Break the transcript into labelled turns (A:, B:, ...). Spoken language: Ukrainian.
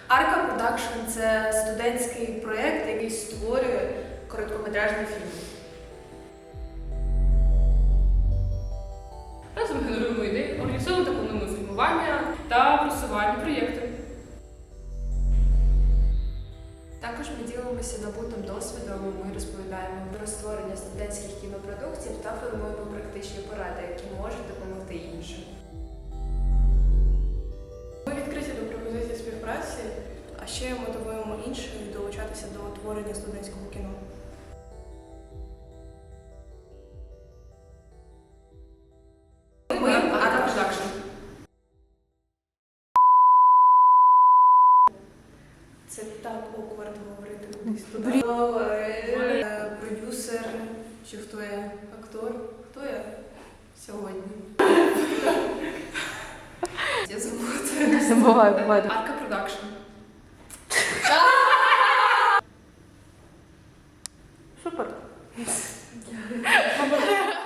A: Арка Продакшн – це студентський проєкт, який створює короткометражний фільм.
B: Разом генеруємо ідеї, організовуємо та плануємо фільмування та просування проєкту.
A: Також ми ділимося набутим досвідом, ми розповідаємо про створення студентських кінопродуктів та формуємо практичні поради, які можуть допомогти іншим.
C: Ми відкриті до пропозицій співпраці, а ще мотивуємо інших долучатися до творення студентського кіно.
B: Ми Арка Продакшн.
C: Це так оквард говорити кудись туди.
A: Продюсер, чи хто я? Актор? Хто я сьогодні? Я забула.
D: Буває.
B: Арка Продакшн.
D: Супер.